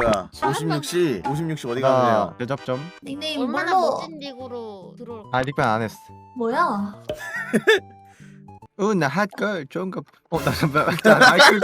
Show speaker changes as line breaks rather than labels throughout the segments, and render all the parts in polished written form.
뭐야 56시 어디 가세요?
대접점.
닉네임
얼마나
뭘로?
멋진 닉으로 들어올.
아 닉변 안 했어.
뭐야?
나 핫걸 좋은 거. 나 마이크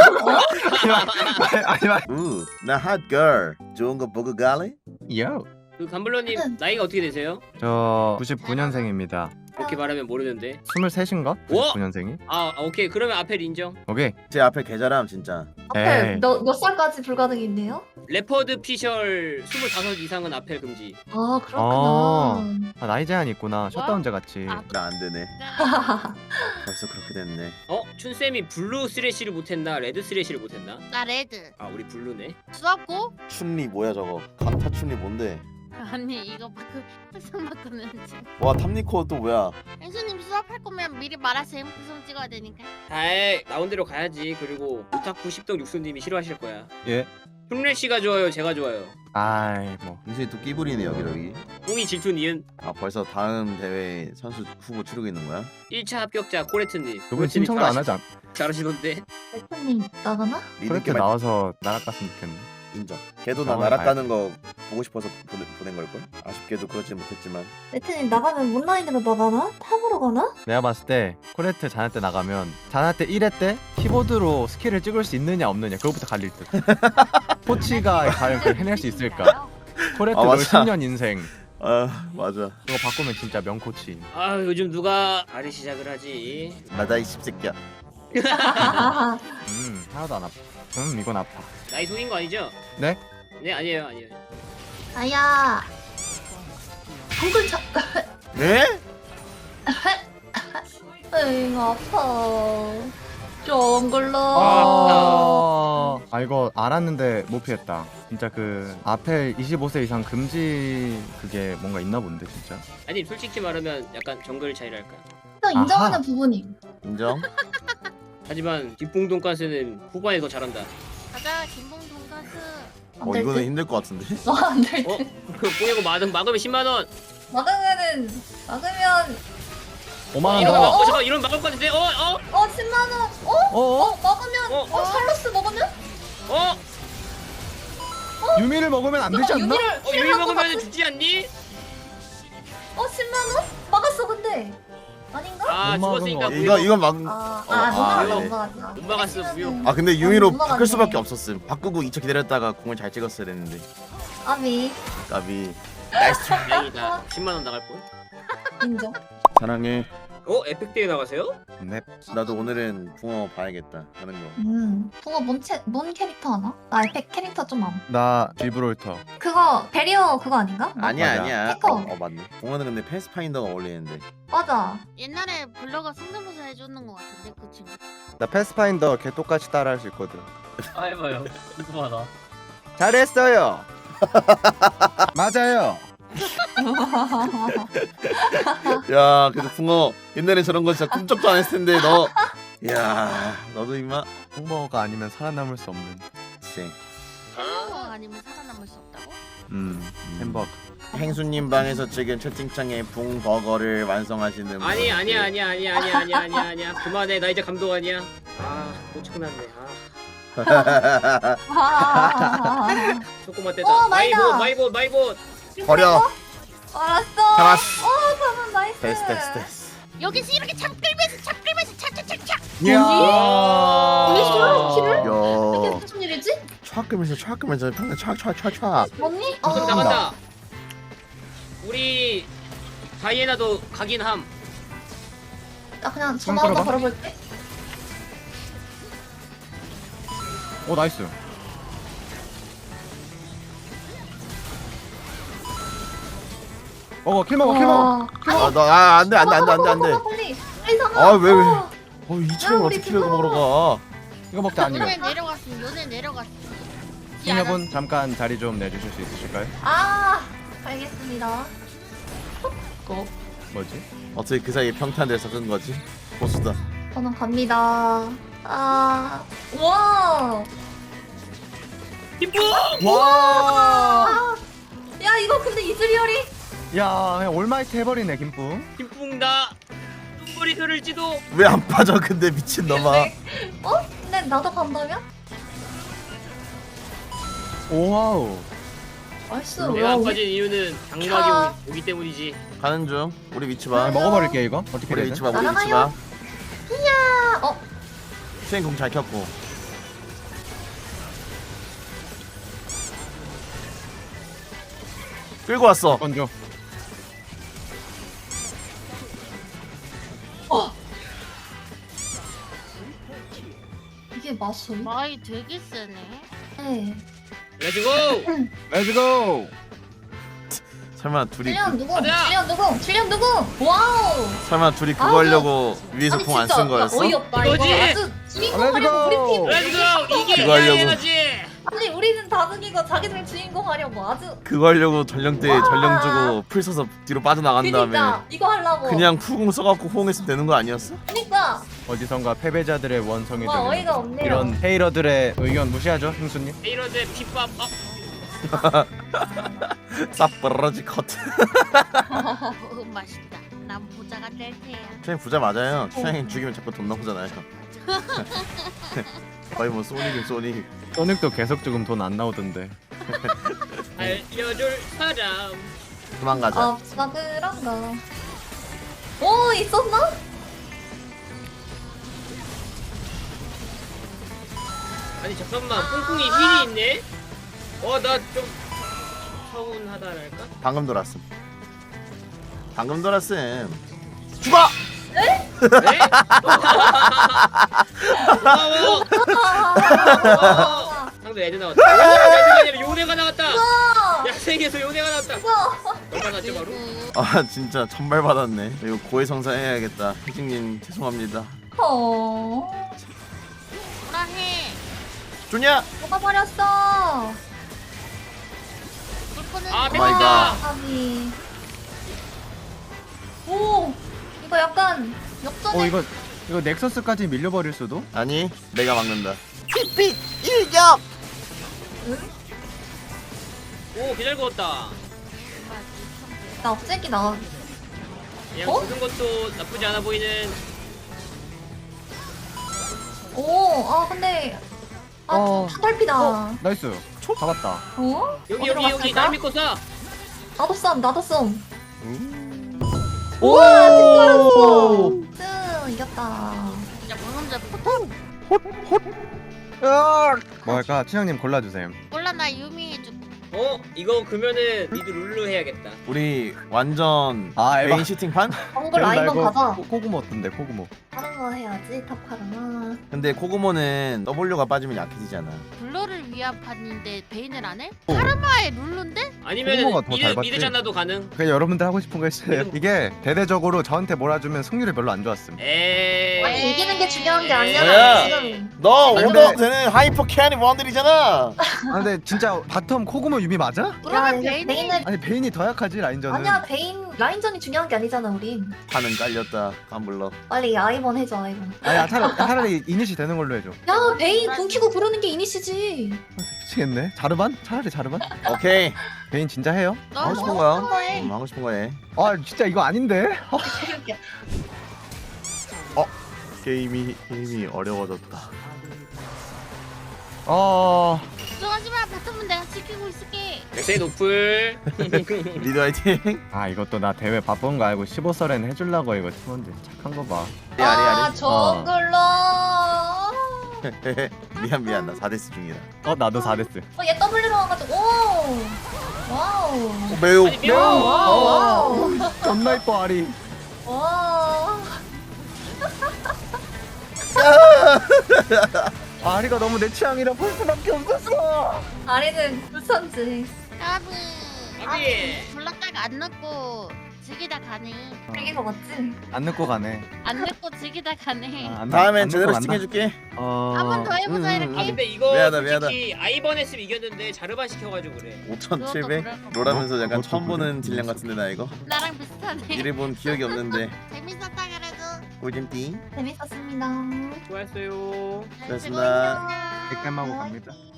좀.
나 핫걸 좋은 거 보고 갈래?
요.
그 감블러님 나이가 어떻게 되세요?
저 99년생입니다.
그렇게 말하면 모르는데.
23인가?
오!
99년생이?
아 오케이 그러면 아펠 인정.
오케이.
제 앞에 계좌람 진짜
앞에
에이.
몇 살까지 불가능인데요?
레퍼드 피셜 25 이상은 아펠 금지.
아 그렇구나.
아 나이 제한 있구나. 셧다운제 같이.
아.
나 안 되네 벌써 그렇게 됐네
춘쌤이 블루 스래시를 못했나 레드 스래시를 못했나?
나 레드.
아 우리 블루네.
수학고?
춘리 뭐야 저거 강타 춘리 뭔데?
아니 이거 항상 바꾸는지.
와 탐니코 또 뭐야?
앵수님 수업할 거면 미리 말하세요. 구성 찍어야 되니까.
아이 나온 대로 가야지. 그리고 오타쿠 10동 육수님이 싫어하실 거야.
예.
흉내씨가 좋아요 제가 좋아요.
아이 뭐.
인수이 또 끼부리네 여기
웅이 질투 니은.
아 벌써 다음 대회 선수 후보 치르고 있는 거야?
1차 합격자 코레트님.
그분 신청도 안 하지 않?
잘하시던데.
대표님 나가나?
그렇게
리드게
나와서 나락갔으면 좋겠네.
인정 걔도 나
나오면
나락 가는 거 보고 싶어서 보낸 걸걸? 아쉽게도 그러지 못했지만
대표님 나가면 온라인으로 나가나? 탑으로 가나?
내가 봤을 때 코레트 자나 때 나가면 자나 때 1회 때 키보드로 스킬을 찍을 수 있느냐 없느냐 그것부터 갈릴 듯. 코치가 과연 그걸 해낼 수 있을까? 코레트
아,
롤
맞아.
10년 인생
아 맞아
그거 바꾸면 진짜 명코치.
아 요즘 누가 발이 시작을 하지?
나다 이 씹새끼야
하나도 안 아파. 이건 아파.
나이 속인 거 아니죠?
네?
네 아니에요 아니에요.
아야. 정글 차.
네?
에잉 아파. 정글러.
아 이거 알았는데 못 피했다. 진짜 그 아펠 25세 이상 금지 그게 뭔가 있나 본데 진짜.
아니 솔직히 말하면 약간 정글 차이랄까.
또 인정하는
아하.
부분이.
인정?
하지만 뒷봉 돈가스는 후반에 더 잘한다.
가자 김봉 돈가스.
어 이거는 힘들 것 같은데?
안될
어?
듯.
그 뽕이고 막으면 10만 원.
막으면
5만 원
이러면
더.
잠깐 이러면 막을 것 같은데?
10만 원.
어?
막으면 샬로스 먹으면?
유미를 먹으면 안 되지 않나?
유미 먹으면 죽지 않니?
10만 원? 막았어 근데. 아닌가?
아
못
죽었으니까
막은
이거 이건 막
못
못
막았다.
못 막았어 무효.
아 근데 유미로
못
바꿀
막았네.
수밖에 없었음 바꾸고 2차 기다렸다가 공을 잘 찍었어야 됐는데
아미
까비
다행이다. 10만 원 나갈 뻔.
인정.
사랑해
에픽데이 나가세요?
네.
나도 오늘은 붕어 봐야겠다 하는 거
붕어 뭔 캐릭터 하나? 나 에펙 캐릭터 좀 안.
나 지브롤터.
그거 베리어 그거 아닌가?
아니야
맞아.
아니야
태커.
맞네 붕어는 근데 패스파인더가 어울리는데
맞아.
옛날에 블러가 성대모사 해주는 것 같은데 그 친구.
나 패스파인더 걔 똑같이 따라할 수 있거든.
아 해봐요. 궁금하다.
잘했어요. 맞아요.
야 그래도 붕어 옛날에 저런 거 진짜 꿈쩍도 안 했을 텐데 너 야 너도 임마
홍버거가 아니면 살아남을 수 없는.
그치
햄버거 아니면 살아남을 수 없다고?
햄버거.
행수님 방에서 지금 채팅창에 붕버거를 완성하시는
아니야
분들.
아니야. 그만해 나 이제 감독 아니야. 또 쳐놨네. 조금만 떼자.
마이다.
마이봇.
버려
알았어.
잡았어
저는 나이스.
됐어
여기서 이렇게 잡 끌면서 착착착착.
이야.
언니 키를? 이게
야
무슨 일이지?
촥 평생 촥
언니?
그럼 나간다. 우리 다이애나도 가긴 함.
나 그냥 전화 한번
끌어봐.
걸어볼게.
오 나이스. 킬 먹어.
아나 안돼
빨리 빨리 상아.
아, 왜? 이처럼
우리
어떻게 키를
그거.
먹으러 가
이거 먹자 아니면.
요네 내려갔어.
승려분 잠깐 자리 좀 내주실 수 있으실까요?
알겠습니다.
뭐지?
어떻게 그 사이에 평탄들 섞은 거지? 보수다
저는 갑니다. 와.
기쁨.
와.
야 이거 근데 이즈리얼이?
야 그냥 올마이트 해버리네 김뿡.
기쁨 나 눈물이 흐를지도.
왜 안 빠져 근데 미친놈아
근데 나도 간다면?
오와우.
나이스.
내가
와,
안
우리
빠진 이유는
차.
장막이 오기 때문이지.
가는 중. 우리 위치 봐.
아, 먹어버릴게 이거. 어떻게
우리
해야
위치
돼?
봐. 우리 위치
날아가요.
봐.
어,
수행 공잘 켰고. 끌고 왔어.
건조.
이게 마술?
마이 되게 세네.
네.
렛츠고.
렛츠고.
설마 둘이
질량 누구?
가자!
질량 누구? 질량 누구? 와우.
설마 둘이 그거
아주-
하려고 위에서
아니
공 안
진짜
쓴 거였어?
어이없다
이거지?
이거. 아주 주인공 하려고 우리 팀.
렛츠고. 이게
그거 하려고.
해야지.
아니 우리는 다둥이가 자기들 주인공 하려고 아주.
그거 하려고 전령대
와.
전령 주고 풀 써서 뒤로 빠져나간 다음에
그니까 이거 하려고.
그냥 푸공 써갖고 호응했으면 되는 거 아니었어?
그니까.
어디선가 패배자들의 원성이
와 어이가 없네요.
이런 헤이러들의 의견 무시하죠, 형수님?
이런데 핏밥.
쌉 벌어지 컷.
맛있다. 난 부자가 될 테야.
추행 부자 맞아요. 추행 죽이면 자꾸 돈 나오잖아요. 거의 뭐 소닉이 소닉.
소닉도 계속 조금 돈 안 나오던데.
알려줄 사람.
그만 가자.
아 진짜 그런가. 오 있었나?
아니 잠깐만 뿡뿡이 힐이 있네? 나 좀 서운하다랄까?
방금 돌았음. 방금 돌았음. 죽어!
네? 고마워! 상대 애드 나왔다. 애드가 아니라 요네가 나왔다! 야생에서 요네가 나왔다! 얼마 났죠 바로?
아 진짜 천발 받았네. 이거 고해성사 해야겠다. 희진님 죄송합니다.
뭐라 해.
좋냐?
뭐가 버렸어.
불꽃은
아,
마이 갓.
아니. 오 이거 약간 역전의.
이거 넥서스까지 밀려버릴 수도?
아니 내가 막는다. 핏핏 일격.
오 개잘 구웠다.
나 업체기 나.
그냥
어?
죽은 것도 나쁘지 않아 보이는.
오, 근데
어.
타달피다.
나이스. 잡았다.
어?
여기
어디로
날
갔을까?
믿고 쏴!
나도 썸.
오.
잘했어. 이겼다.
진짜 방금 전 포탑.
뭐 할까? 친형님 골라주세요.
몰라 나 유미 해줄게.
이거 그러면은 니도 룰루 해야겠다.
우리 완전
아, 에바.
메인 시팅판?
정글 라인만 가자.
코구모 어떤데? 코구모.
다른 거 해야지. 탑카르나.
근데 코고모는 W가 빠지면 약해지잖아.
블러를 위한 판인데 베인을 안 해? 카르마의 룰루인데?
아니면은
코모가 더 잘 봤지.
미드 잔나도 가능?
그냥 여러분들 하고 싶은 거 했어요. 이게 대대적으로 저한테 몰아주면 승률이 별로 안 좋았음.
아니 이기는 게 중요한 게
뭐야?
아니잖아. 지금.
너
아니,
오더도
근데-
되는 하이퍼 캐니 원들이잖아.
아 근데 진짜 바텀 코구모 유미 맞아?
야,
그러면
이제
베인이
베인을
아니 베인이 더 약하지 라인전은.
아니야 베인 라인전이 중요한 게 아니잖아 우린.
판은 깔렸다. 깜불러.
빨리 아이번 해줘 아이번.
아니 차라리 이니시 되는 걸로 해줘.
야 베인 궁 키고 부르는 게 이니시지.
미치겠네. 자르반? 차라리 자르반?
오케이.
베인 진짜 해요?
너
하고 싶은
뭐
거야.
하는 거해?
하고 싶은 거 해.
아 진짜 이거 아닌데?
게임이 어려워졌다.
걱정하지 마. 바텀은 내가 지키고 있을게.
엑세 노플.
리드 화이팅.
아 이것도 나 대회 바쁜 거 알고 15설엔 해주려고 이거 팀원들 착한 거 봐.
아리
정글러.
미안 나 4데스 중이다.
나도 4데스.
얘 W로 와가지고 오. 와우.
매우
아니 뿅!
와우.
존나 이뻐 아리.
와.
아리가 너무 내 취향이라 볼 수밖에 없었어.
아리는 불선지.
까비.
아비.
졸랐다가 안 넣고 즐기다 가네.
이게 거 맞지?
안 늦고 가네.
안 넣고 즐기다 가네.
안
다음엔
늦고
제대로
간다.
시팅해줄게.
한 번 더 해보자 이렇게.
아 근데 이거
미안하다,
솔직히 아이번 했으면 이겼는데 자르반 시켜가지고 그래.
5,700?
그것도
롤하면서 약간
그것도
처음
그래.
보는 딜량 같은데 나 이거.
나랑 비슷하네.
이래본 기억이 없는데.
재밌었다 그래도.
꿀잼띠.
재밌었습니다.
수고했어요.
고맙습니다.
즐거웠습니다.
객감하고 갑니다.
화이팅.